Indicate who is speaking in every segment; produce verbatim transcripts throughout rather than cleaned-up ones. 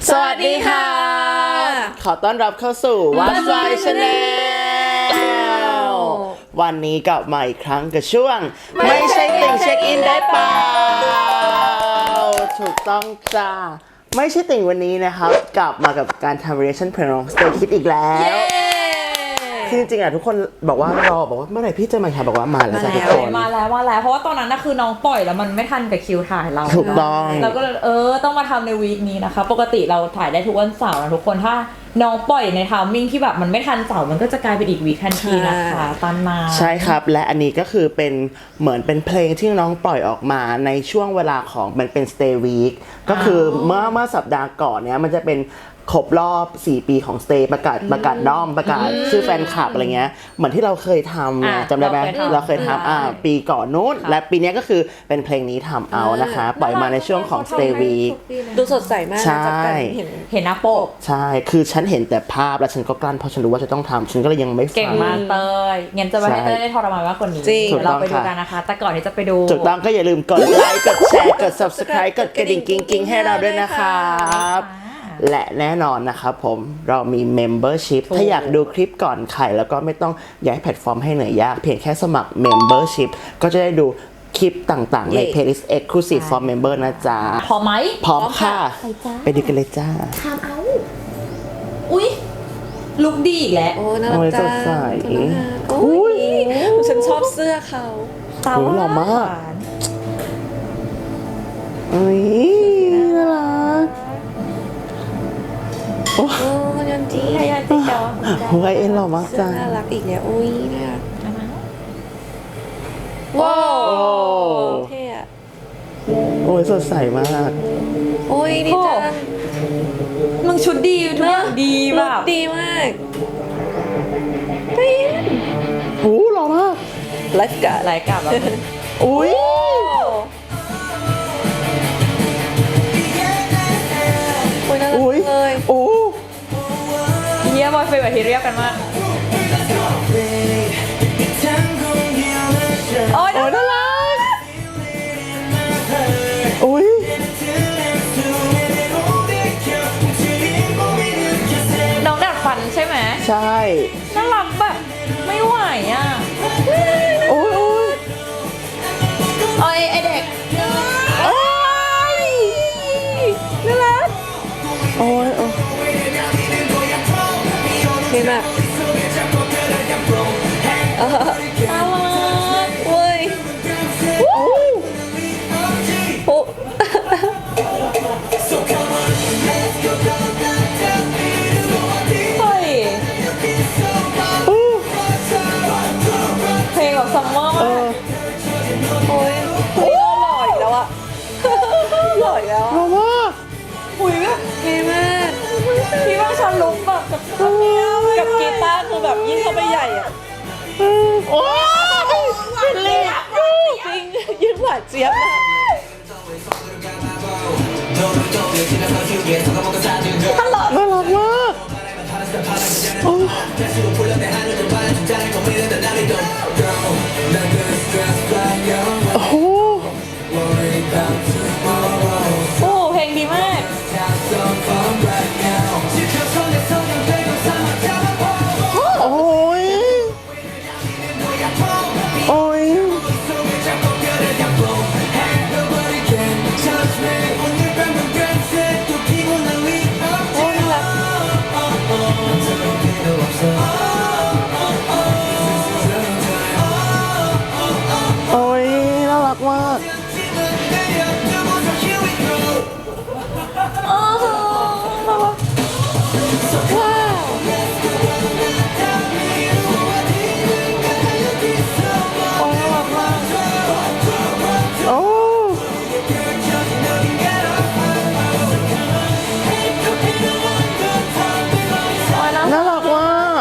Speaker 1: สวัสดีค่ะขอต้อนรับเข้าสู่ What's Why Channel วันนี้กลับมาอีกครั้งกับช่วงไม่ใช่ติ่งเช็คอินได้เปล่าถูกต้องจ้าไม่ใช่ติ่งวันนี้นะครับกลับมากับการทำ reaction เพลงของ Stay Kids อีกแล้วคือจริงๆอ่ะทุกคนบอกว่ารอบอกว่าเมื่อไหร่พี่จะมาค่ะบอกว่ามาแล้วจ้ะทุกคน
Speaker 2: มาแล้วมาแล้วเพราะว่าตอนนั้นน่ะคือน้องปล่อยแล้วมันไม่ทันกับคิวถ่ายเรา
Speaker 1: ถูกต้อง
Speaker 2: เราก็เออต้องมาทำในวีคนี้นะคะปกติเราถ่ายได้ทุกวันเสาร์นะทุกคนถ้าน้องปล่อยในไทมิ่งที่แบบมันไม่ทันเสาร์มันก็จะกลายเป็นอีกวีคทันทีนะคะตามมา
Speaker 1: ใช่ครับและอันนี้ก็คือเป็นเหมือนเป็นเพลงที่น้องปล่อยออกมาในช่วงเวลาของมันเป็น Stay Week ก็คือเมื่อเมื่อสัปดาห์ก่อนเนี้ยมันจะเป็นครบรอบสี่ปีของ Stay ประกาศประกาศด้อมประกาศชื่อแฟนคลับอะไรเงี้ยเหมือนที่เราเคยทำเนี่ยจำได้ไหมเราเคยทำอ่าปีก่อนนู้นและปีนี้ก็คือเป็นเพลงนี้ทำเอานะคะปล่อยมาในช่วงของ Stay Week
Speaker 3: ดูสดใสมาก
Speaker 1: ใช่
Speaker 3: เห็น
Speaker 2: เห็นหน้าปก
Speaker 1: ใช่คือฉันเห็นแต่ภาพแล้วฉันก็กลั้นเพราะฉันรู้ว่าจะต้องทำฉันก็เลยยังไม่ฟัง
Speaker 2: เก่งมากเตยงั้นจะไม่ให้เตยได้ทรมานมากกว่านี้เราไปดูกันนะคะแต่ก่อนที่จะไปดู
Speaker 1: ถูกต้องก็อย่าลืมกดไลค์กดแชร์กด Subscribe กดกระดิ่งกิ๊งๆให้เราด้วยนะครับและแน่นอนนะครับผมเรามี Membership ถ้าอยากดูคลิปก่อนใครแล้วก็ไม่ต้องย้ายแพลตฟอร์มให้เหนื่อยยากเพียงแค่สมัคร Membership ก็จะได้ดูคลิปต่างๆใน Playlist Exclusive for Member นะจ๊ะ
Speaker 2: พร้อมไหม
Speaker 1: พร้อมค่ะไปดูกันเลยจ้า
Speaker 2: ทำเอาอุ๊ยลุคดีอีกแล้ว
Speaker 3: โอ้น่ารักจังโอ้ยฉันชอบเสื้อเขา
Speaker 2: ตาหล่อมาก
Speaker 1: อุ้ยน่ารัก
Speaker 3: โอ้ยันจี
Speaker 2: ยันจีเจ้า
Speaker 1: หัวเอ็นหล่อมากจัง
Speaker 3: น่ารักอีกแล้วอุ้ยน่ารัก
Speaker 2: ว้าว
Speaker 3: เท่อะ
Speaker 1: โอ้ยสดใสมาก
Speaker 3: โอ้ยดีจัง
Speaker 2: มึงชุดดีทุกอย่างดีแบบ
Speaker 3: ดีมาก
Speaker 1: ไปโอ้หล่อมาก
Speaker 3: ไลฟ์การ์ด
Speaker 2: ไลฟ์การ์ดแบบ
Speaker 1: อุ้ย
Speaker 3: โอ้ยน่ารักเลย
Speaker 1: โอ้
Speaker 2: เฮียบอยเฟย์แบบที่เรียกกันมากโอ้ยน่ารัก
Speaker 1: โอ้ย
Speaker 2: น้องดัดฟันใช่ไหม
Speaker 1: ใช่
Speaker 2: น่ารักแบบไม่ไหวอ่ะ
Speaker 1: โอ้ยโอ้ย
Speaker 2: โอ้ยไอเด็กโอ้ยน่ารัก
Speaker 1: โอ้ยโอ้ย
Speaker 3: เท่มาก
Speaker 2: น่ารัก
Speaker 3: เว้ยโอ้โอ้
Speaker 2: เฮ้ยเพลงแบบซัมเมอร์มาก
Speaker 3: โอ้ยเฮ้ยหล่ออีกแล้วอะหล่ออีกแล้ว
Speaker 1: หล่อมาก
Speaker 2: หุยแบบ
Speaker 3: เท่มาก
Speaker 2: พี่ว่าฉันลุกแบบกับ
Speaker 3: กับกีตาร์คือแบบยิ่งเข้าไปใหญ่อะ
Speaker 1: โอ้ยเป็นเล็ก
Speaker 3: จริงยิ่งหวานเจี๊ยบมาก
Speaker 2: ตลอด
Speaker 1: น่ารักมากโอ้โห
Speaker 2: โอ้เพลงดีมาก
Speaker 1: โอ้ยโอ้ยโอ้ยน่ารักมาก
Speaker 2: อ๋อน่ารัก
Speaker 3: ว้าว
Speaker 2: โอ้น่ารักมาก
Speaker 1: โอ้น่ารักมาก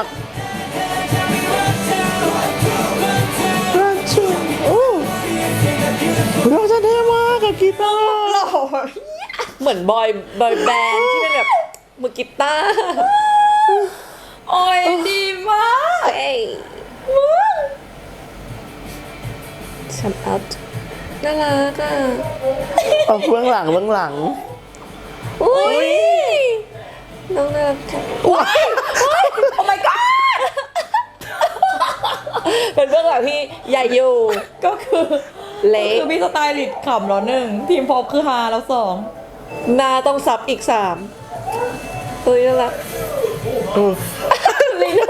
Speaker 1: รักชุดโอ้เราจะเท่มากกับกีตาร์
Speaker 3: หล่อเหมือนบอยบอยแบนด์ที่เป็นแบบมือกีตาร์
Speaker 2: โอ้ยดีมาก
Speaker 3: เอ้ยชัมอัพน่ารักอ่ะ
Speaker 1: เอาเบื้องหลังเบื้องหลัง
Speaker 3: อุ้ยองน่ารักจัง
Speaker 2: ว้ายโอ้ my god
Speaker 3: เป็นเบื้องหลังที่ใหญ่อยู่
Speaker 2: ก็คือ
Speaker 3: เละ
Speaker 2: คือมีสไตลิสต์ขำแล้วหนึ่งทีมพอปคือฮาแล้วสอง
Speaker 3: หน้าต้องซับอีกสามเฮ้ยน่ารัก
Speaker 1: อืม
Speaker 3: ลีโน่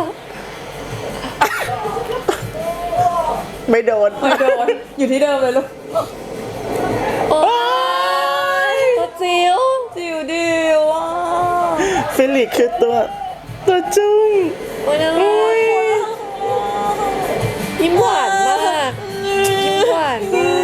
Speaker 1: ไม่โดน
Speaker 2: ไม่โดนอยู่ที่เดิมเลยลูก
Speaker 3: โอ้ยตัวจิ๋ว
Speaker 2: จิ๋วดิวอ่ะ
Speaker 1: ฟิลิกคือตัวตัวจุ้ง
Speaker 3: โอ้ยน่ารักยิ้มหวานมากยิ้มหวานมาก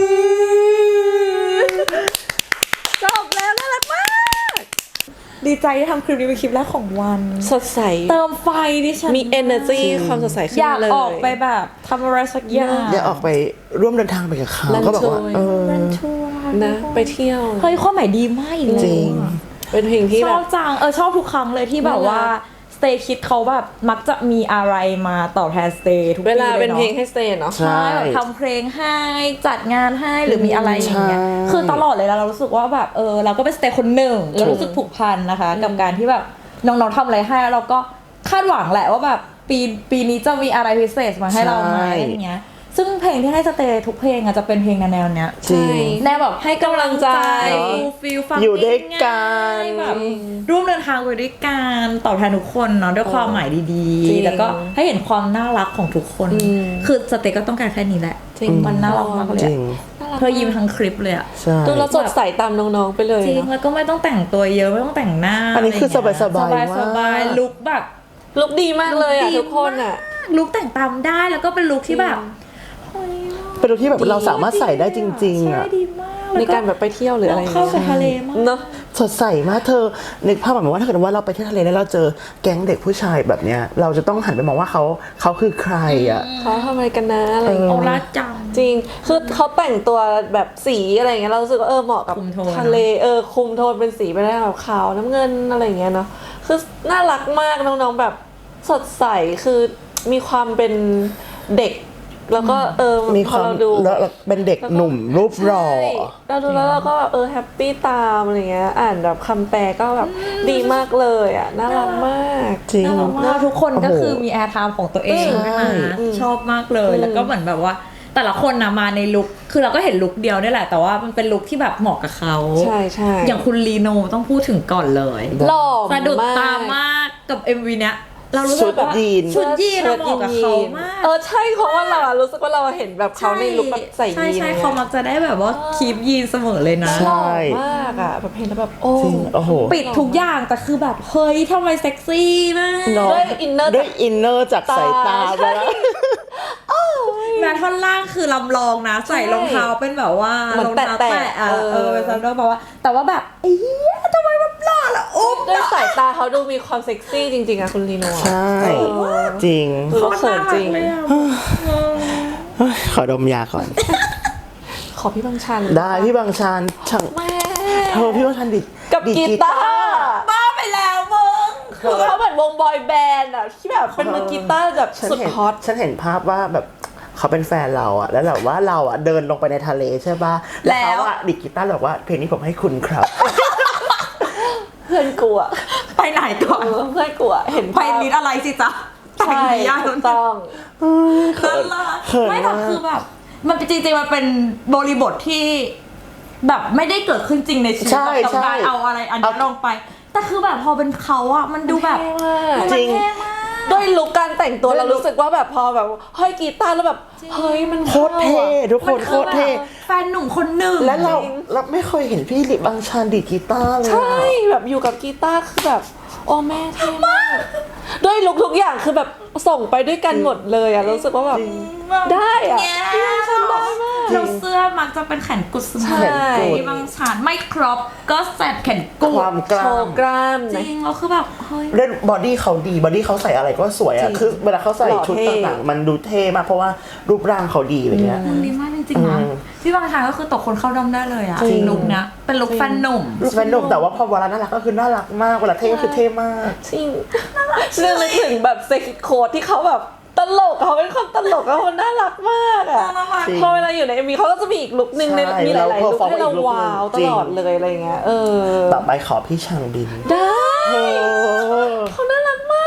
Speaker 3: จบแล้วน่ารักมาก
Speaker 2: ดีใจที่ทำคลิปนี้เป็นคลิปแรกของวัน
Speaker 3: สดใส
Speaker 2: เติมไฟดิฉัน
Speaker 3: มี energy ความสดใสขึ้น
Speaker 2: อยาก
Speaker 3: เลย
Speaker 2: ออกไปแบบทำอะไรสักอย่าง
Speaker 1: อย่าออกไปร่วมเดินทางไปกับเขา
Speaker 3: รัน
Speaker 1: ก็แบบว่า
Speaker 3: จอย
Speaker 1: เออ
Speaker 2: รันชัวร์
Speaker 3: นะไปเที่ยว
Speaker 2: เฮ้ยความหมายดีมากอีกแล้ว
Speaker 1: จริง
Speaker 2: อะ
Speaker 3: เป็นเพลงที่
Speaker 2: ช
Speaker 3: แบ
Speaker 2: อบบ จังเออชอบทุกครั้งเลยที่แบบว่า
Speaker 3: น่ารัก
Speaker 2: Stay Kids เขาแบบมักจะมีอะไรมาตอบแทน Stay ทุกปี
Speaker 3: เวลา
Speaker 2: เลย
Speaker 3: เป็นเพลง
Speaker 2: เนาะ
Speaker 3: ให้สเตย์เนาะ
Speaker 1: ใช่
Speaker 2: ใช่แบบทำเพลงให้จัดงานให้หรือมีอะไรอย่างเงี้ย
Speaker 1: ใช่
Speaker 2: คือตลอดเลยแล้วเรารู้สึกว่าแบบเออเราก็เป็นสเตย์คนหนึ่งเรารู้สึกผูกพันนะคะ กับการที่แบบน้องๆทำอะไรให้แล้วเราก็คาดหวังแหละว่าแบบปีปีนี้จะมีอะไรพิเศษมาให้เราไหม
Speaker 1: ใช่
Speaker 2: อะไรอย่างเงี้ยซึ่งเพลงที่ให้สเตย์ทุกเพลงอะจะเป็นเพลงแนวๆเนี้ย
Speaker 1: จริง
Speaker 2: แนวแบบให้กำลังใจ
Speaker 1: เนอะ
Speaker 2: ฟูลฟิลฟัง
Speaker 1: อยู่ด้วยกัน
Speaker 2: ง่ายๆแบบร่วมเดินทางไปด้วยกันตอบแทนทุกคนเนาะด้วยความหมายดี
Speaker 3: จริง
Speaker 2: ๆ แล้วก็ให้เห็นความน่ารักของทุกคน
Speaker 3: อืม
Speaker 2: คือสเตย์ก็ต้องการแค่นี้แหละ
Speaker 3: จริง
Speaker 2: มันน่ารักมากเลย
Speaker 1: จ
Speaker 2: อะ
Speaker 1: ริง
Speaker 2: เธอยิ้มทั้งคลิปเลยอะ
Speaker 1: ใช่
Speaker 3: ดูแล้วสดใสตามน้องๆไปเลย
Speaker 2: จริง
Speaker 3: เนาะ
Speaker 2: แล้วก็ไม่ต้องแต่งตัวเยอะไม่ต้องแต่งหน้า
Speaker 1: อันนี้คือ
Speaker 2: อะไรเงี้
Speaker 1: สบายๆ
Speaker 2: สบาย
Speaker 1: มาก
Speaker 2: สบายลุคแบบ
Speaker 3: ลุกดีมากเลยอ่ะ
Speaker 2: ลุคดี
Speaker 3: ทุกคนอ่ะ
Speaker 2: ลุคแต่งตามได้แล้วก็เป็นลุคที่แบบเฮ้ย
Speaker 1: เป็นตัวที่แบบเราสามารถใส่ได้จริงๆ
Speaker 2: ใช่
Speaker 1: อ่ะ
Speaker 2: ดีมาก
Speaker 3: ในการแบบไปเที่ยวหรืออะไรอย่าง
Speaker 2: เข้า
Speaker 3: เงี้ย
Speaker 2: กับทะเลมาก
Speaker 3: เนาะ
Speaker 1: สดใสมากเธอนึกภาพแบบว่าถ้าเกิดว่าเราไปเที่ยวทะเลแล้วเราเจอแก๊งเด็กผู้ชายแบบเนี้ยเราจะต้องหันไปมองว่าเขาเขาคือใครอ่ะ
Speaker 3: เขาทำอะไรกันนะอะไรอย่าง
Speaker 2: โอ
Speaker 3: เงี้ย
Speaker 2: ลาจัง
Speaker 3: จริง คือเขาแต่งตัวแบบสีอะไรอย่างเงี้ยเรารู้สึกว่าเออเหมาะกับ
Speaker 2: คุมโทน
Speaker 3: ทะเลเออคุมโทนเป็นสีไปได้แบบขาวน้ำเงินอะไรอย่างเงี้ยเนาะคือน่ารักมากน้องๆแบบสดใสคือมีความเป็นเด็ก แล้วก็เออ
Speaker 1: มีความ
Speaker 3: พอเราดู
Speaker 1: แล้วเราเป็นเด็กหนุ่มรูปหล่อ
Speaker 3: ใช่เราดูแล้วเราก็แบบเออแฮปปี้ตามอะไรเงี้ยอ่านแบบคำแปลก็แบบดีมากเลยอ่ะน่ารักมาก
Speaker 1: จริง
Speaker 2: แล้วทุกคนก็
Speaker 1: โอ้โห
Speaker 2: คือมีแอร์ไทม์ของตัวเอง
Speaker 1: ใช่
Speaker 2: นะคะชอบมากเลย แล้วก็เหมือนแบบว่า แต่ละคนนะมาในลุคคือเราก็เห็นลุคเดียวนี่แหละ แต่ว่ามันเป็นลุคที่แบบเหมาะกับเขา
Speaker 3: ใช่ใช่
Speaker 2: อย่างคุณลีโนต้องพูดถึงก่อนเลย
Speaker 3: หล่อ
Speaker 2: สะดุด
Speaker 3: มาก
Speaker 2: ตามากกับ เอ็ม วี เนี้ยเรารู้สึ
Speaker 1: ชุ
Speaker 2: ก
Speaker 1: ด
Speaker 2: ว่า
Speaker 1: ยีน
Speaker 2: ชุดยีนเราเหมาะกับเขามาก
Speaker 3: เออใช่เพราะว่าเราอะรู้สึกว่าเราเห็นแบบเขาในลุคแบบใส่ยีน
Speaker 2: ใช่ใช่
Speaker 3: นี่ย
Speaker 2: เขามักจะได้แบบว่าคีปยีนเสมอเลยนะ
Speaker 1: ใช่
Speaker 3: หล่อมากอ่ะแบบเห็นแล้วแบบโอ้
Speaker 1: จริงโอ้โห
Speaker 2: ปิดทุกอย่างแต่คือแบบเฮ้ยทำไมเซ็กซี่มาก
Speaker 1: เนาะ
Speaker 3: ด้วยอินเนอร์
Speaker 1: ด้วยอินเนอร์จากสายตาไปแล้ว
Speaker 2: แม้ท่อนล่างคือลำลองนะ ใส่รองเท้าเป็นแบบว่า
Speaker 3: เหมือน
Speaker 2: รองเท้า
Speaker 3: แตะ
Speaker 2: แตะ
Speaker 3: ๆ
Speaker 2: อะ
Speaker 3: เออ
Speaker 2: เออเป็นซันโดแบบว่า แต่ว่าแบบเอ้ยทำไมมันหล่อละอุ๊บ
Speaker 3: ด้วยสายตาเขาดูมีความเซ็กซี่จริงๆอะคุณลีโน่อะ
Speaker 1: ใช่ จริง
Speaker 3: คือเขาเขินจริง
Speaker 2: เลยอะ
Speaker 1: เฮ้ยขอดมยาก่อน
Speaker 3: ขอพี่บางชัน
Speaker 1: ได้พี่บางชานช่าง
Speaker 3: แม่
Speaker 1: เธอพี่บางชานดิ
Speaker 3: กับ
Speaker 1: ดีด
Speaker 3: กีตาร์
Speaker 2: บ้าไปแล้วมึง
Speaker 3: คือเขาเหมือนวงบอยแบนด์อะที่แบบเป็นมือกีตาร์แบบ
Speaker 1: ฉัน
Speaker 3: สุด
Speaker 1: เห็น
Speaker 3: ฮอต
Speaker 1: ฉันเห็นภาพว่าแบบเขาเป็นแฟนเราอะแล้วแบบว่าเราอะเดินลงไปในทะเลใช่ป่ะแล้วเขาอะดิดกีตาร์บอกว่าเพลงนี้ผมให้คุณครับ
Speaker 3: เพื่อนกูอะ
Speaker 2: ไปไหนก่อน
Speaker 3: เออเพื่อนกูอะเห็น
Speaker 2: ไปลิดอะไรสิจ๊ะแต่ง
Speaker 3: ใช่
Speaker 2: ดียาก
Speaker 3: ถูกต้อง
Speaker 1: เขิน
Speaker 2: น่ารัก
Speaker 1: เขิน
Speaker 2: ไม่แต่
Speaker 1: มาก
Speaker 2: คือแบบมันเป็นจริงๆมันเป็นบริบทที่แบบไม่ได้เกิดขึ้นจริงในชีวิต
Speaker 1: ใช่
Speaker 2: กับการ
Speaker 1: ใช่
Speaker 2: เอาอะไรอันนี้ลงไป แต่คือแบบพอเป็นเขาอะมันดูแบบ
Speaker 3: มัน
Speaker 1: จริง
Speaker 2: เท่มาก
Speaker 3: ด้วยลุคการแต่งตัว
Speaker 1: ด้วย
Speaker 3: เรา
Speaker 1: ลุค
Speaker 3: รู้สึกว่าแบบพอแบบเฮ้ยกีตาร์แล้วแบบเฮ้ยมัน
Speaker 1: โคตรเท่ทุกคนโคตรเท่
Speaker 2: แฟนหนุ่มคนหนึ่ง
Speaker 1: และเราเราไม่เคยเห็นพี่ลิบางชานดีดกีตาร์เลย
Speaker 3: ใช่
Speaker 1: อะ
Speaker 3: แบบอยู่กับกีตาร์คือแบบโอ้แม่เท่มากด้วยลุคทุกอย่างคือแบบส่งไปด้วยกันหมดเลยอะรู้สึกว่าแบบ ได้อะ
Speaker 2: เนี่ย
Speaker 3: ฉันได้มาก
Speaker 2: เราเสื้อมักจะเป็นแขนกุดเสม
Speaker 3: ใช่
Speaker 2: อที่บางชานไม่ครบก็แสบแขนกุด
Speaker 1: ความก
Speaker 3: โช
Speaker 1: ล้าม
Speaker 3: ว์กล้าม
Speaker 2: จ
Speaker 3: นะ
Speaker 2: ริงเราคือแบบเฮ้ย
Speaker 1: เล่นบอดี้เขาดีบอดี้เขาใส่อะไรก็สวย
Speaker 3: จ
Speaker 1: อะ
Speaker 3: ริง
Speaker 1: คือเวลาเขาใส่
Speaker 3: หล่อ
Speaker 1: ชุด
Speaker 3: เท่
Speaker 1: ต่างๆมันดูเท่มากเพราะว่ารูปร่างเขาดีอะไรเงี้ย
Speaker 2: มันดีมากจริงๆนะ
Speaker 1: อืม
Speaker 2: พี่บางชานก็คือตกคนเข้าด้อมได้เลยอะ
Speaker 3: จริง
Speaker 2: ลุคเนี้ยเป็นลุคแฟนหนุ่ม
Speaker 1: แฟนหนุ่มแต่ว่าพอเวลาน่ารักก็คือน่ารักมากเวลาเท่ก็คือเท่มาก
Speaker 3: จริงเรื่องนึกถึงแบบเซ็กโค้ดที่เขาแบบตลกเขาเป็นคนตลกแล้วคนน่ารักมากอะ
Speaker 2: น่ารัก
Speaker 1: จริง
Speaker 3: พอเวลาอยู่ในเอ็มวีเขาก็จะมีอีกลุคนึงใน
Speaker 1: ใช่
Speaker 3: มีหลายๆลุค
Speaker 1: เรา
Speaker 3: ให้เรา
Speaker 1: perform อีกลุคนึง
Speaker 3: ว้าวต
Speaker 1: จริง
Speaker 3: ลอดเลยอะไรเงี้ยเออ
Speaker 1: ต่อไปขอพี่ชางบิน
Speaker 3: ได้
Speaker 1: เธอ
Speaker 3: เขาน่ารักมาก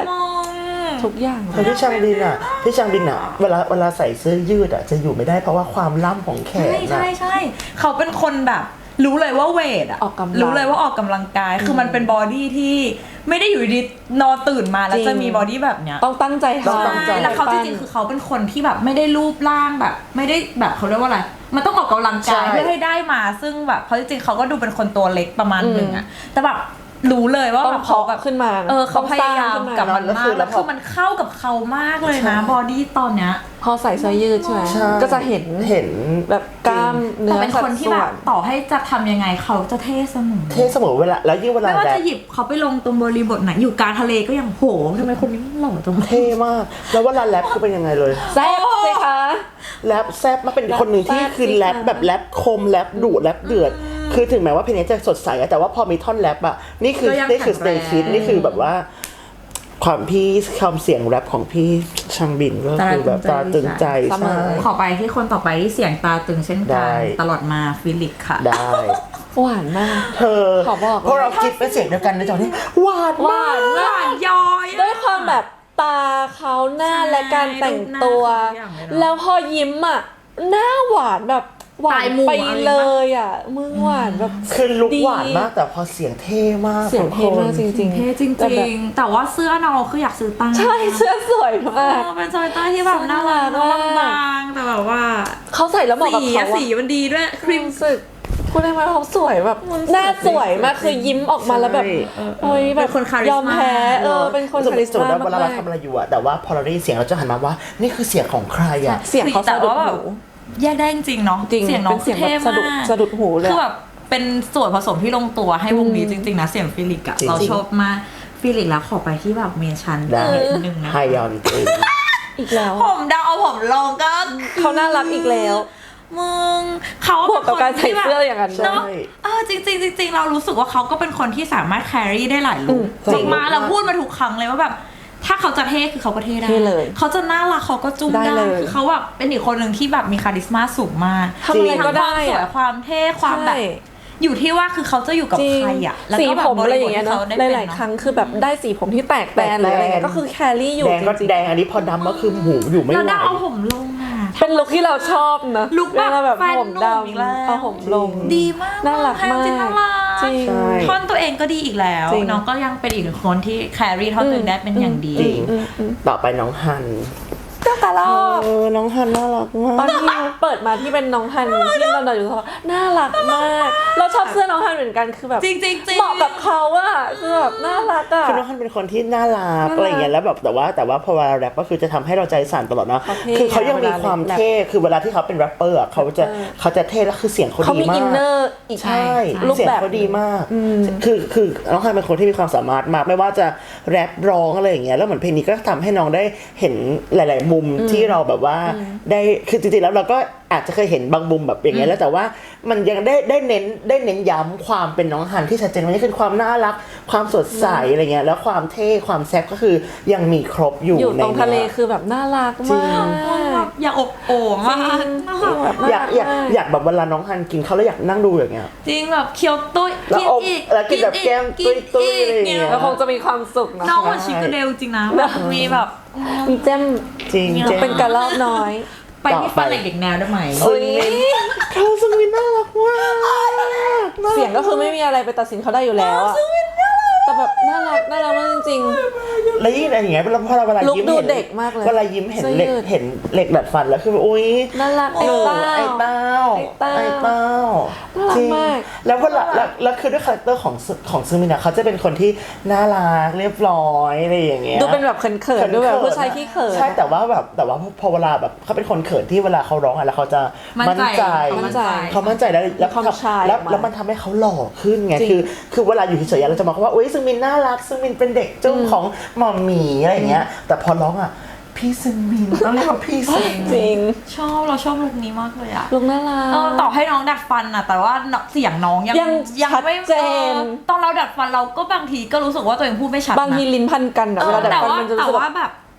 Speaker 2: มอง
Speaker 3: ทุกอย่าง
Speaker 1: แล้วพี่ชางบินอ่ะพี่ชางบินอ่ะเวลาเวลาใส่เสื้อยืดอ่ะจะอยู่ไม่ได้เพราะว่าความล่ำของแขน
Speaker 2: ใช่
Speaker 1: อ่ะ
Speaker 2: ใช่ใช่เขาเป็นคนแบบรู้เลยว่าเวทอะ
Speaker 3: ออกกำลัง
Speaker 2: รู้เลยว่าออกกำลังกาย คือมันเป็นบอดี้ที่ไม่ได้อยู่ดีนอนตื่นมาแล้ว
Speaker 3: จริง
Speaker 2: จะมีบอดี้แบบเนี้ย
Speaker 3: ต้องตั้งใจ
Speaker 1: ต้อง
Speaker 3: ทำ
Speaker 1: ตั้งใจ
Speaker 2: แล้วเขาจริงๆคือเขาเป็นคนที่แบบไม่ได้รูปร่างแบบ ไม่ได้แบบเขาเรียกว่าอะไร มันต้องออกกำลังกายเพื่อให้ได้มา ซึ่งแบบเพราะจริงๆเขาก็ดูเป็นคนตัวเล็กประมาณหนึ่งอะแต่แบบรู้เลยว่า
Speaker 3: ต้
Speaker 2: แบ
Speaker 3: อง
Speaker 2: บเขาแบบ
Speaker 3: เพาะขึ้นมานะ
Speaker 2: เออเขาพยายาม
Speaker 3: ต้องสร้างขึ้นมา
Speaker 2: กับมัน
Speaker 1: แล้ว
Speaker 2: มา
Speaker 1: คื
Speaker 2: ก
Speaker 1: อแล้
Speaker 2: แล้ว
Speaker 1: ว
Speaker 2: คือมันเข้ากับเขามากเลยนะบอดี้ตอนเนี้ย
Speaker 3: พอใส่เสื้อยืดใช่ไหม
Speaker 1: ใช่
Speaker 3: ก็จะเห็น
Speaker 1: เห็น
Speaker 3: แบบกล้ามเนื้
Speaker 2: แต่
Speaker 3: อ
Speaker 2: เป็นคนที่
Speaker 3: สัดส่
Speaker 2: แบ
Speaker 3: ว
Speaker 2: บต่อให้จะทำยังไงเขาจะเท่เสมอ
Speaker 1: เท่เสมอเวลาแล้วยิ่งเวลา
Speaker 2: ไม่ว่า
Speaker 1: แร
Speaker 2: จะ
Speaker 1: ป
Speaker 2: หยิบเขาไปลงตรงบริบทไหนอยู่กลางทะเลก็ยังโหทำไมคนนี้หล่อจัง
Speaker 1: เท่มาก แล้วเวลาแรปคือเป็นยังไงเลย
Speaker 3: แซ่บสิคะ
Speaker 1: แรปแซบมากเป็นคนหนึ่งที่
Speaker 3: แรปแซ่บ
Speaker 1: คือ
Speaker 3: สิ
Speaker 1: แรป
Speaker 3: คะ
Speaker 1: แบบแรปคมแรปดุแรปเดือด คือถึงแม้ว่าเพลงนี้จะสดใสอะแต่ว่าพอมีท่อนแรปอะนี่คือนี่คือสเตย์คิดนี่คือแบบว่า ความพี่ความเสียงแรปของพี่ชังบินก็คือแบบตาตึงใจ
Speaker 3: เสม
Speaker 1: ใช่
Speaker 3: อ
Speaker 2: ขอไปที่คนต่อไปที่เสียงตาตึงเช่น
Speaker 1: ได้
Speaker 2: กันตลอดมาฟิลิปค่ะ
Speaker 1: ได้
Speaker 3: หวานมาก
Speaker 1: เธอ
Speaker 3: ขอบอกเลย
Speaker 1: เพราะเราคิดเป็นเสียงเดียวกันในตอนนี้หวาน
Speaker 3: ห
Speaker 1: มาว
Speaker 3: าก นมาก
Speaker 2: ย้อยอะ
Speaker 3: ด้วยความแบบตาเขาหน้า
Speaker 2: ใช่
Speaker 3: และการแต่งตัว
Speaker 2: รูปหน้าเขาทุกอย่างเลยเนอะ
Speaker 3: แล้วพอยิ้มอ่ะหน้าหวานแบบหวา
Speaker 2: ตาน ยหมู่
Speaker 3: ไป
Speaker 2: อะไร
Speaker 3: เล
Speaker 2: ปะ
Speaker 3: ยอ่ะมึงหวานแบบ
Speaker 1: คือลุก
Speaker 3: ดี
Speaker 1: หวานมากแต่พอเสียงเท่มาก
Speaker 3: เสียงเท่มากจ
Speaker 1: ทุกคน
Speaker 3: ริงๆ
Speaker 2: เท่จริง
Speaker 3: แต่แบบ
Speaker 2: ๆ แต่ว่าเสื้อน้องคืออยากซื้อตั้ง
Speaker 3: ใช่เสื้อสวยมาก
Speaker 2: เออเป็นสเวตเตอร์ที่แบบน่ารัก
Speaker 3: น่ารักมาก
Speaker 2: บางๆแต่แบบว่า
Speaker 3: เขาใส่แล้วเหมาะกับ
Speaker 2: สี
Speaker 3: เขา
Speaker 2: อะ
Speaker 3: อะ
Speaker 2: สีมันดีด้วยค
Speaker 3: ค
Speaker 2: รี
Speaker 3: รี
Speaker 2: ม
Speaker 3: มสึกพูดได้ไหมเขาสวยแบบ
Speaker 2: มันสวย
Speaker 3: หน้าสวยมาก
Speaker 2: จริงๆ
Speaker 3: คือยิ้มออกมาแล้วแบบ
Speaker 1: ใช่
Speaker 3: โอ้ยแบ
Speaker 2: เป็
Speaker 3: บ
Speaker 2: นคนคาริสม่าย
Speaker 3: อมแพ้เออเป็นคนคาริส
Speaker 1: สมม
Speaker 3: ม่า
Speaker 1: ติว่าเวลาเรา
Speaker 3: มาก
Speaker 1: ทำอะไรอยู่อะแต่ว่าพอเราได้ยินเสียงเราจะหันมาว่า นี่คือเสียงของใครอะ
Speaker 3: เสียงเขา
Speaker 2: แต่
Speaker 3: สะดุด
Speaker 2: ว่าแบบ
Speaker 3: หู
Speaker 2: แยกได้จริงๆเนาะ
Speaker 3: จริง
Speaker 2: เสียงน้อง
Speaker 3: เป็นเสียงแบบ
Speaker 2: ท่
Speaker 3: สะดุด
Speaker 2: มาก
Speaker 3: สะดุดหูเลย
Speaker 2: คือแบบเป็นส่วนผสมที่ลงตัวให้วงนี้จริงๆนะเสียงฟิลิปอะ
Speaker 1: จริง
Speaker 2: เราชอบมากฟิลิปแล้วขอไปที่แบบเมชัน
Speaker 1: ได้
Speaker 2: นิดนึงนะ
Speaker 1: ไฮยอนเอง
Speaker 3: อีกแล้ว
Speaker 2: ผมดาวเอาผมลงก็
Speaker 3: เขาน่ารักอีกแล้ว
Speaker 2: มึงเขา
Speaker 3: บวกกับการใส่เสื้ออย่างนั้น
Speaker 2: เนาะเออจริงๆจริงๆเรารู้สึกว่าเขาก็เป็นคนที่สามารถแครี่ได้หลายลุค
Speaker 1: อืม
Speaker 2: จริงมาเราพูดมาทุกครั้งเลยว่าแบบถ้าเขาจะเท่คือเขาก็เท่ได้
Speaker 3: เท่เลย
Speaker 2: เขาจะน่ารักเขาก็จุ้ม
Speaker 3: ได้
Speaker 2: ได้
Speaker 3: เลย
Speaker 2: คือเขาแบบเป็นอีกคนหนึ่งที่แบบมีคาริสมาสูงมาก
Speaker 3: ทำอะไรก็ได้
Speaker 2: มีทั้งความสวย
Speaker 3: อะ
Speaker 2: ความเท่ความแบบ
Speaker 3: ใช่
Speaker 2: อยู่ที่ว่าคือเขาจะอยู่กับ
Speaker 3: จริง
Speaker 2: ใครอ่ะแล้ว
Speaker 3: สี
Speaker 2: ก็แบบ
Speaker 3: ผมอะไรอย่างเงี้ย
Speaker 2: บริบทที่
Speaker 3: เนาะ
Speaker 2: ขได้ป็
Speaker 3: หลาย
Speaker 2: เน
Speaker 3: ๆ
Speaker 2: อะ
Speaker 3: ครั้งคือแบบได้สีผมที่แตกแตนหรืออะไรเงี้ยก็คือแครี่อยู่
Speaker 1: แดงก็
Speaker 3: จริง
Speaker 1: แดงอันนี้พอดำก็คือหูอยู่ไม่
Speaker 2: แล้ว
Speaker 1: ไหว
Speaker 2: ดาวเอาผมลงอ่ะ
Speaker 3: ๆเป็นลุคที่เราชอบนะ
Speaker 2: ลุคแบบ
Speaker 3: เวลาแบบ
Speaker 2: แฟน
Speaker 3: ผม
Speaker 2: หนุ่มอีกแล้ว
Speaker 3: ดำเอาผมลง
Speaker 2: ดีมาก
Speaker 3: น่ารักมาก
Speaker 2: จริงๆน่ารัก
Speaker 3: จริง
Speaker 1: ใช่
Speaker 2: ท่อนตัวเองก็ดีอีกแล้ว
Speaker 3: จริง
Speaker 2: น้องก็ยังเป็นอีกหนึ่งคนที่แครี่ท่อนตัวเองได้เป็นอย่างดี
Speaker 1: จริง
Speaker 3: อืมอืม
Speaker 1: ต่อไปน้องฮัน
Speaker 3: เจ้าตาลอบ
Speaker 1: เออน้องฮันน่ารักมา
Speaker 3: ตอน
Speaker 1: ก
Speaker 3: ที่เปิดมาที่เป็นน้องฮันที่เราเดินอยู่เขาน่ารักมาก เราชอบเสื้อน้องฮันเหมือนกันคือแบบ
Speaker 2: จริงๆจริงๆ
Speaker 3: เหมาะกับเขาอะคือแบบน่ารักอะ
Speaker 1: คือน้องฮันเป็นคนที่น่ารัก
Speaker 3: น่ารัก
Speaker 1: อะไรอย่างเงี้ยแล้วแบบแต่ว่าแต่ว่าพอเวลาแรปก็คือจะทำให้เราใจสั่นตลอดนะ
Speaker 3: เขาเท่
Speaker 1: คือเขายังมีความ
Speaker 3: เวลาแรป
Speaker 1: เท่คือเวลาที่เขาเป็นแรปเปอร์อะเขาจะ
Speaker 3: เออ
Speaker 1: เขาจะเท่แล้วคือเสียงเขา
Speaker 3: เขา
Speaker 1: ดี
Speaker 3: มี
Speaker 1: มา
Speaker 3: อินเน
Speaker 1: ก
Speaker 3: อร์อีก
Speaker 1: ใช่
Speaker 3: รูป
Speaker 1: เสียง
Speaker 3: แบบ
Speaker 1: เขาดีมาก
Speaker 3: อืม
Speaker 1: คือคือน้องฮันเป็นคนที่มีความสามารถมากไม่ว่าจะแรปร้องอะไรอย่างเงี้ยแล้วเหมือนเพลงนี้ก็ทำให้น้องได้เห็นหลาย ๆ มุมที่เราแบบว่าได้คือจริงๆแล้วเราก็อาจจะเคยเห็นบางมุมแบบอย่างเงี้ยแล้วแต่ว่ามันยังได้ได้เน้นได้เน้นย้ำความเป็นน้องฮันที่ชัดเจนว่านี่คือความน่ารักความสดใสอะไรเงี้ยแล้วความเท่ความแซ่บก็คือยังมีครบอยู่
Speaker 3: อยู่
Speaker 1: ใน
Speaker 3: ตรงทะเล
Speaker 1: นี้ย
Speaker 3: คือแบบน่ารัก
Speaker 1: จริ
Speaker 3: มาง ก
Speaker 2: อยากอบโอ่งมาก
Speaker 3: แบบ
Speaker 1: อยากอยาก
Speaker 3: น่รัม
Speaker 1: อยากแบบเวลาน้องฮันกินเขาแล้วอยากนั่งดูอย่างเงี้ย
Speaker 2: จริงแบบเคี้ยวตุ้ย
Speaker 1: แล้ว
Speaker 2: กิน
Speaker 1: อม
Speaker 2: อีก
Speaker 1: แล้วกินแบบแก้ม
Speaker 2: กิน
Speaker 1: ตุ้ยๆ
Speaker 2: อีก
Speaker 1: อะไรอย่างเงี้ย
Speaker 2: นี่
Speaker 3: แล้วคงจะมีความสุขนะ
Speaker 2: น้องเหมือนชิคกี้เดลจริงนะแบบมีแบบ
Speaker 3: มีเจ้ม
Speaker 1: จริง
Speaker 2: เนี่ย
Speaker 1: เจ๊
Speaker 3: เป็นกระรอกน้อย
Speaker 2: ไปที่ฟันเหล็กเด็กแนวได้ไหม
Speaker 1: ซึงมินเขาซึงมินน่ารักมาก
Speaker 3: เสียงก็คือไม่มีอะไรไปตัดสินเขาได้อยู่แล้วอะแต่แบบน่ารักน่ารักมากจริง
Speaker 1: แล้วยิ่งอะไรอย่างเงี้ยเวลาพอเราเวลา
Speaker 3: ลุค
Speaker 1: ยิ้ม
Speaker 3: ดู
Speaker 1: เห็น
Speaker 3: เด็กมากเลย
Speaker 1: เวลายิ้มเห็น
Speaker 3: เสื้อ
Speaker 1: เหล็ก
Speaker 3: ยืด
Speaker 1: เห็นเหล็กดัดฟันแล้วคือแบบอุ้ย
Speaker 3: ๆน่ารักไอ้
Speaker 1: หนู
Speaker 3: เต้า
Speaker 1: ไอ้เต้า
Speaker 3: ไอ้เต้า
Speaker 1: ไอ้เต้า
Speaker 3: น่ารัก
Speaker 1: จริง
Speaker 3: มาก
Speaker 1: แล้วเวลาแล้วแล้วคือด้วยคาแรคเตอร์ของซึของซึงมินอะเขาจะเป็นคนที่น่ารักเรียบร้อยอะไรอย่างเงี้ย
Speaker 3: ดูเป็นแบบเขินๆดูแบบผู้ชายขี้เขิน
Speaker 1: ใช่แต่ว่าแบบแต่ว่าพอเวลาแบบเขาเป็นคนเขินที่เวลาเขาร้องอะแล้วเขาจะ
Speaker 2: มั่นใจ
Speaker 3: มั่นใจ
Speaker 1: เขามั่นใจแล้วแล้ว
Speaker 3: ความชาย
Speaker 1: แล้ว
Speaker 3: ออกมา
Speaker 1: แล้วมันทำให้เขาหล่อขึ้นไง
Speaker 3: จริง
Speaker 1: คือคือเวลาอยู่เฉยๆเราจะมองว่าอุ้ยซึงมินน่ารักซึงมินเป็นเด็กจุ้มของหมอมหมีอะไรอย่างเงี้ยแต่พอร้องอ่ะพี่ซึงมินต้องเรียกว่าพี่ซึง
Speaker 3: จริง
Speaker 2: ชอบเราชอบลุคนี้มากเลยอะ
Speaker 3: ลุงน่ารัก
Speaker 2: เออต่อให้น้องดัดฟันอะแต่ว่าเสียงน้องยัง
Speaker 3: ยังชัด
Speaker 2: ไม่
Speaker 3: เจน
Speaker 2: ออตอนเราดัดฟันเราก็บางทีก็รู้สึกว่าตัวเองพูดไม่ชัดนะ
Speaker 3: บางทีลิ้นพันกันอะเวลาดัด
Speaker 2: แต่
Speaker 3: ฟัน
Speaker 2: ว่า
Speaker 3: มันจะ
Speaker 2: แต่
Speaker 3: รู้สึก
Speaker 2: ว่า
Speaker 3: แบบ
Speaker 2: แบบ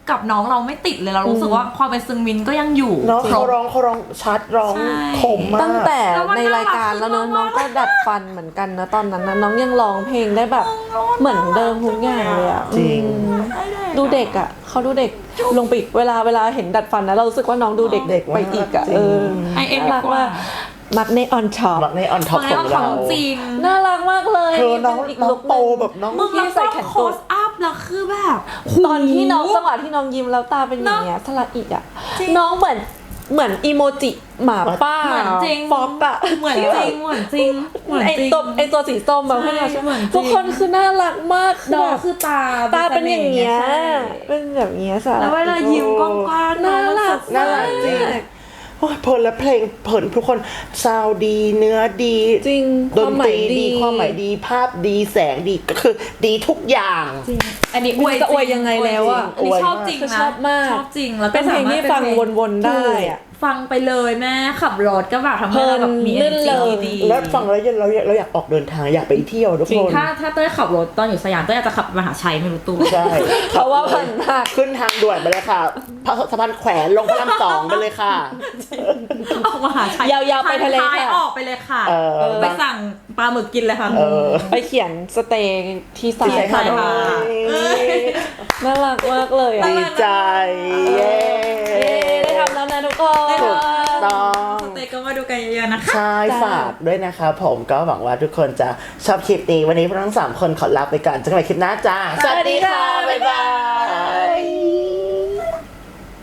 Speaker 2: กับน้องเราไม่ติดเลยเรารู้สึกว่าความเป็นซึงมินก็ยังอยู่
Speaker 1: เนาะ
Speaker 2: คร
Speaker 1: เขา
Speaker 2: บ
Speaker 1: ร้องเขาร้องชัดร้อง
Speaker 2: ใช่
Speaker 1: คมมาก
Speaker 3: ตั้งแต่
Speaker 2: แล้วมัน
Speaker 3: ในรายการแล้วเนอะ
Speaker 2: น่ารัก
Speaker 3: น้องก็ดัดฟันเหมือนกันนะตอนนั้นนะน้องยังร้องเพลงได้แบบเหมือนเดิมทุกอย่างเลยอะ
Speaker 1: จริง
Speaker 3: อืมดูเด็กอะเขาดูเด็กลงไปอีกเวลาเวลาเห็นดัดฟันนะเรารู้สึกว่าน้องดูเด็ก
Speaker 1: เด็กมาก
Speaker 3: ไปอีกอะ
Speaker 1: จริง
Speaker 3: เออ
Speaker 2: ไอเอ็ม
Speaker 3: น่ารักว่ามักในออนช็อป
Speaker 1: มักในออนท็อป
Speaker 2: คน
Speaker 1: ข
Speaker 2: นี้
Speaker 1: อง
Speaker 2: ก็ข
Speaker 1: เรา
Speaker 2: องจริง
Speaker 3: น่ารักมากเลย
Speaker 1: เธอน้อง
Speaker 3: เป็อีก
Speaker 1: น้อ
Speaker 3: ลุ
Speaker 1: ง
Speaker 3: ค
Speaker 1: โต
Speaker 3: หนึ่ง
Speaker 1: แบบน้อง
Speaker 2: มึง
Speaker 3: ที่
Speaker 2: แล้ว
Speaker 3: ใส่
Speaker 2: ก็
Speaker 3: แขน
Speaker 2: โค
Speaker 3: กุด
Speaker 2: สอัพแล้วคือแบบ
Speaker 3: ตอนที่น้องจังหวะที่น้องยิ้มแล้วตาเป็นอย่างเงี้ยสละอีกอะ
Speaker 2: จริง
Speaker 3: น้องเหมือนเหมือนอีโมจิหมาป้า
Speaker 2: เหมือนจริง
Speaker 3: ฟอกอะ
Speaker 2: เหมือนจริงเหมือนจริงเหมือน
Speaker 3: ไอ
Speaker 2: จริง
Speaker 3: ตัวไอตัวสีส้มแบบ
Speaker 2: ใช่
Speaker 3: ให้เรา
Speaker 2: เหมือนจริง
Speaker 3: ทุกคนคือน่ารักมาก
Speaker 2: น้อง
Speaker 3: แบบ
Speaker 2: คือตา
Speaker 3: ตาเป็นอย่างเงี้ย
Speaker 2: ใช่
Speaker 3: เป็นแบบเงี้ยสะ
Speaker 2: แล้วเวลายิ้มกว้างๆ
Speaker 3: น่า
Speaker 2: องมั
Speaker 3: รัก
Speaker 2: สดใส
Speaker 1: น่ารักจริงโอ้ยเพลินและเพลงเพลินทุกคนซาวด์ดีเนื้อดี
Speaker 3: จริง
Speaker 1: ด
Speaker 3: ความ
Speaker 1: น
Speaker 3: หมา
Speaker 1: ตรี
Speaker 3: ย
Speaker 1: ดี
Speaker 3: ดี
Speaker 1: ความหมายดีภาพดีแสงดีก็คือดีทุกอย่าง
Speaker 2: จริงอันนี้อวย
Speaker 3: จะอวยยังไงแล้วอะ
Speaker 2: อันนี้ชอบจริง
Speaker 3: คือ
Speaker 2: นะ
Speaker 3: ชอบมาก
Speaker 2: ชอบจริงแล้วก็
Speaker 3: เป็นเพลงที่ฟังวนๆได้อะ
Speaker 2: ฟังไปเลยแม่ขับรถก็แบบทำให้เราแบบมี
Speaker 3: เพลิน
Speaker 2: energy
Speaker 3: ลื่นเลย
Speaker 2: ดี
Speaker 1: แล้วฟังแล้วเราอยากเราอยากออกเดินทางอยากไปเที่ยวทุก
Speaker 2: จริ
Speaker 1: ค
Speaker 2: ง
Speaker 1: น
Speaker 2: ถ้าถ้าเต้ยขับรถตอนอยู่สยามเต้ยอาจจะขับไปมหาชัยไม่รู้ตัว
Speaker 1: ใช่
Speaker 3: เพราะว่าผ่านมาก
Speaker 1: ขึ้นทางด่วนไปเลยค่ะพระสะพานแขวนลงพระรามสองไปเลยค่ะ
Speaker 2: ออกมหาชัย
Speaker 3: ยาวๆไปทะเล
Speaker 2: ท้าย
Speaker 3: ค่ะ
Speaker 2: ออกไปเลยค่ะ
Speaker 1: เออ
Speaker 2: ไปสั่งปลาหมึกกินเลยค่ะ
Speaker 1: เออ
Speaker 3: ไปเขียนสเตย์ที่สา
Speaker 1: ที่
Speaker 3: ย
Speaker 1: ไหน
Speaker 2: ใช่
Speaker 1: คะ
Speaker 2: ค่ะ
Speaker 3: น่ารักมากเลยอะ
Speaker 1: ดีใจเย้
Speaker 3: เย้ได้ทำแล้วนะทุกคน
Speaker 1: ถูกต้อง
Speaker 2: สเต็กก็มาดูกันเยอะๆนะคะ
Speaker 1: ใช่ฝากด้วยนะคะผมก็หวังว่าทุกคนจะชอบคลิปนี้วันนี้พวกเราทั้งสามคนขอลาไปก่อนเจอกันใหม่คลิปหน้าจ้า
Speaker 3: สวัสดีค่ะ
Speaker 1: บ๊ายบาย